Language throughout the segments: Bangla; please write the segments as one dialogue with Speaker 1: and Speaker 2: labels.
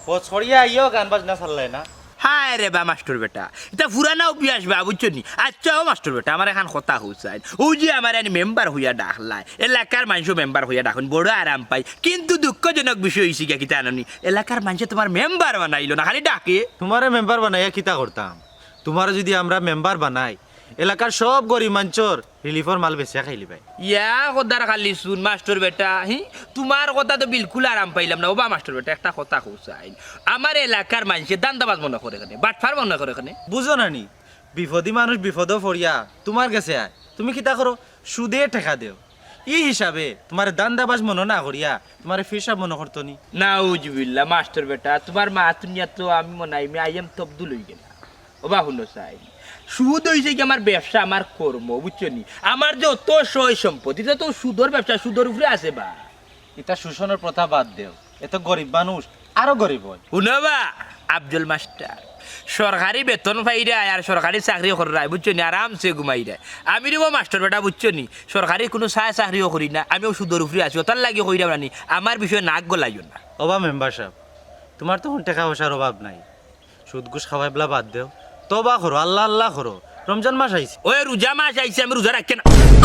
Speaker 1: ও ছড়িয়া আইও গান বাজনা চাললাই না
Speaker 2: হায় রে বা মাস্টার বেটা এটা পুরানা অভ্যাস বা বুঝছো নি আচ্ছা ও মাস্টার বেটা আমার এখন কথা হইছাই ও যে আমার এনে মেম্বার হইয়া ডাকলাই এলাকার মানুষ মেম্বার হইয়া ডাকুন বড় আরাম পাই কিন্তু দুঃখজনক বিষয় হইছে কি তা জানি এলাকার মানুষ তোমার মেম্বার বানাইলো না খালি ডাকে
Speaker 1: তোমারে মেম্বার বানাইয়া কিতা করতাম তোমার যদি আমরা মেম্বার বানাই এলাকার সব গরিব মানুষের রিলিফর মাল বেচিয়া খাইলি ভাই
Speaker 2: ইয়া কদার খালি শুন মাস্টার বেটা হি তোমার কথা তো বিলকুল আরাম পাইলাম না ও বা মাস্টার বেটা একটা কথা কইছাই আমার এলাকার মানুষে দান্দাবাজ মনে করে এখানে বাটফার মনে করে এখানে
Speaker 1: বুঝো না নি বিপদী মানুষ বিপদ ফরিয়া তোমার কাছে আয় তুমি কিতা করো সুদে টেকা দেও ই হিসাবে তোমার দান্দাবাজ মনে না করিয়া তোমার ফিরসাব মনে করতো নি
Speaker 2: নাউজুবিল্লাহ মাস্টার বেটা তোমার মা তুনিয়া তো আমি মনে হয় আই এম তবদুল হই গেল ও বা হুনো চাই সুদ হয়েছে কি আমার ব্যবসা আমার কর্ম বুঝছো নি আমার যে অত সয় সম্পত্তি এটা তো সুদর ব্যবসা সুদর উপরে আছে বা
Speaker 1: এটা শোষণের প্রথা বাদ দেও এত গরিব মানুষ আরো গরিব হয়
Speaker 2: শুনবা আব্দুল মাস্টার সরকারি বেতন পাইরা আর সরকারি চাকরি করাই বুঝছো নি আরামসে ঘুমাই দেয় আমি রেবো মাস্টার বেটা বুঝছো নি সরকারি কোনো চাকরিও করি না আমিও সুদর উপরে আছি ওটার লাগে কইরা রানি আমার বিষয়ে নাক গলাইও না
Speaker 1: অবা মেম্বার সাহেব তোমার তখন টাকা পয়সার অভাব নাই সুদ ঘুষ খাওয়াই বলা বাদ দেও তবা করো আল্লাহ আল্লাহ করো রমজান মাস আইছে
Speaker 2: ওই রোজা মাস আইছে আমি রোজা রাখি না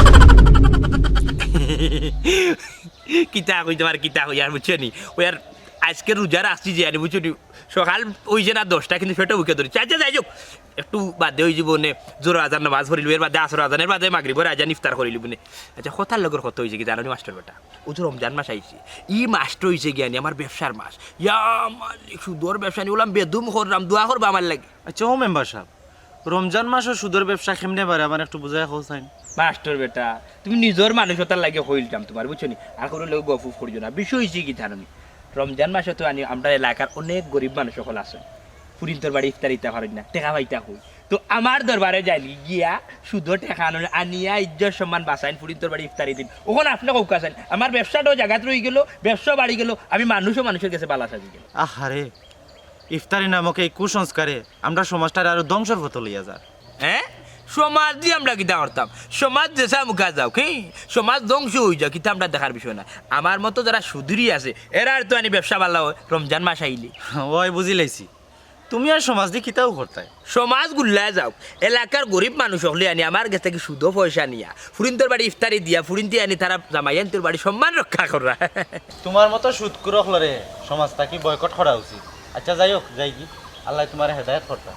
Speaker 2: কিতা কই তোমার কিতা কই আর বুঝছো নি ওই আর আজকে রোজা রাখছি যে বুঝছো নি সকাল ওই যে না 10টা কিন্তু সেটা উকে ধরি চাচা যাই যোগ একটু বাদে ওই জীবনে জোর আজান নামাজ পড়িল এর বাদে আসর আজানের বাদে মাগরিবের আজান ইফতার করিল বনে আচ্ছা কথার লগর কত হয়েছে কি জানো মাস্টার বেটা ও যে রমজান মাস আইছে ই মাস্টার হয়েছে জ্ঞানী আমার ব্যবসার মাস ইয়া মালিক সুদর ব্যবসা নিয়ে বললাম বেদুম করলাম দোয়া করবা আমার লাগে
Speaker 1: আচ্ছা ও মেম্বার সাহেব রমজান মাসও সুদের ব্যবসা কেমনে পারে আমার একটু বুঝাই হোসাইন
Speaker 2: মাস্টার বেটা তুমি নিজের মানুষতার লাগে হইলতাম তোমার বুঝছো নি আর কোনো লোক গফুফ করিও না বিষয় হয়েছে কি জানো রমজান মাসে তো আনি আমরা এলাকার অনেক গরিব মানুষ সকল আছেন ফুরিন্তর বাড়ি ইফতার ইতা পারেন না টেকা পাইতা হই তো আমার দরবারে যাইলি গিয়া শুধু টেকা আনিয়া ইজ্জত সম্মান বাঁচাইন ফুরিন্তর বাড়ি ইফতারি দিন ওখানে আপনাকে কৌকাছেন আমার ব্যবসাটাও জায়গাত রয়ে গেল ব্যবসা বাড়ি গেল আমি মানুষও মানুষের কাছে বালা সাজি গেল
Speaker 1: আহারে ইফতারি নামক এই কুসংস্কারে আমরা সমাজটার আরো ধ্বংসের পথে লইয়া যায়
Speaker 2: হ্যাঁ সমাজ দিয়ে আমরা কিতা করতাম সমাজ দেশা মুখা যাও কি সমাজ ধ্বংস হয়ে যাও কিন্তু আমরা দেখার বিষয় না আমার মতো যারা সুদূরই আছে এরা আর তো আনি ব্যবসা ভালো রমজান মাস আইলে
Speaker 1: ওই বুঝি লাইছি তুমি আর সমাজ দিয়ে কিতাও করতাই
Speaker 2: সমাজ গুল্লায় যাও এলাকার গরিব মানুষ হলে আনি আমার কাছ থেকে সুদো পয়সা নিয়া ফুরিন্তর বাড়ি ইফতারি দিয়া ফুরিন্তি আনি তারা জামাইয়ান্তর বাড়ি সম্মান রক্ষা করা
Speaker 1: তোমার মতো সুদ কুরখলরে সমাজটা কি বয়কট করা উচিত আচ্ছা যাই হোক যাই কি আল্লাহ তোমার হেদায়েত করতা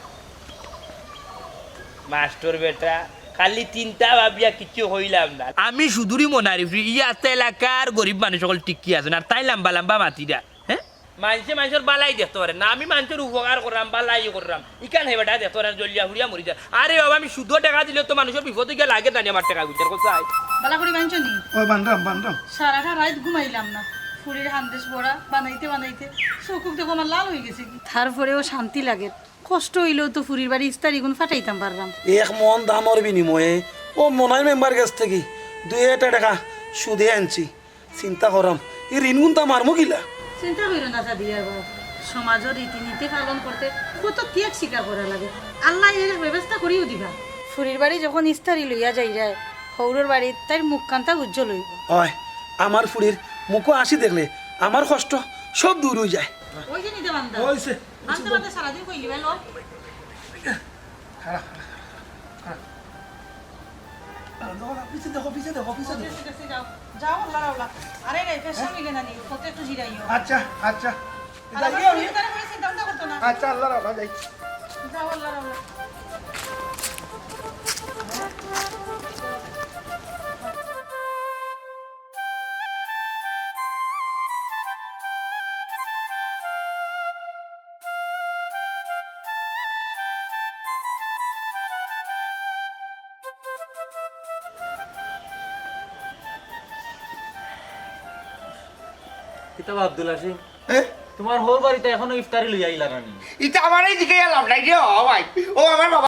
Speaker 2: মাস্টার বেটা খালি চিন্তা ভাবিয়া কিছু হইলাম না আমি সুদূরই মনারি ইয়াতে এলাকার গরিব মানুষ সকল টিকি আছেন আর তাই লম্বা লম্বা মাতিরা হ্যাঁ মানুষের বালাই দেখতে পারে না আমি মানুষের উপকার করলাম বালাই করলাম ইকান হে বেটা দেখতে পারেন জলিয়া হুড়িয়া মরি যায় আরে বাবা আমি শুধু টাকা দিলে তো মানুষের বিপদে গিয়ে লাগে জানি আমার টাকা বিচার কোথায়
Speaker 3: বালা করে বানছো নি
Speaker 4: ও বানরাম
Speaker 3: সারাটা রাত ঘুমাইলাম না ফুরির হান্দেশ বড়া বানাইতে বানাইতে চকুক দেখো আমার লাল হয়ে গেছে কি তারপরেও শান্তি লাগে কষ্ট হইলেও তো ফুরির বাড়ি ইস্তারি গুণ ফাটাইতাম পারলাম
Speaker 4: এক মন দামর বিনিময়ে ও মনাই মেম্বার কাছ থেকে 2 টাকা সুদে আনছি চিন্তা করাম এই ঋণ গুণ তা মারমো কিলা
Speaker 3: চিন্তা করিল না সাদিয়া বাবা সমাজের রীতিনীতি পালন করতে কত ত্যাগ স্বীকার করা লাগে আল্লাহ এর ব্যবস্থা করিও দিবা ফুরির বাড়ি যখন ইস্তারি লইয়া যাই যায় হৌরর বাড়ি তার মুখ কান্তা উজ্জ্বল হইব
Speaker 4: হয় আমার ফুড়ির মুখো আসি দেখলে আমার কষ্ট সব দূর হয়ে যায়
Speaker 3: ওই যে নিতে বান্দা
Speaker 4: হইছে
Speaker 3: বান্দা বান্দা সারাদিন কইলি ভালো
Speaker 4: পিছে দেখো
Speaker 3: যাও যাও আল্লাহ আল্লাহ আরে রে পেশা মিলে না নি কত একটু জিরাইও
Speaker 4: আচ্ছা আচ্ছা
Speaker 3: চিন্তা করতো না
Speaker 4: আচ্ছা আল্লাহ রাখা যাই
Speaker 3: যাও আল্লাহ আল্লাহ
Speaker 1: কিতাব আব্দুল আসিম তোমার হোর বাড়িতে এখনো ইফতারি লইয়া আইলা রানি
Speaker 5: এটা আমার এই দিকে এলাম নাই রে ও ভাই ও আমার বাবা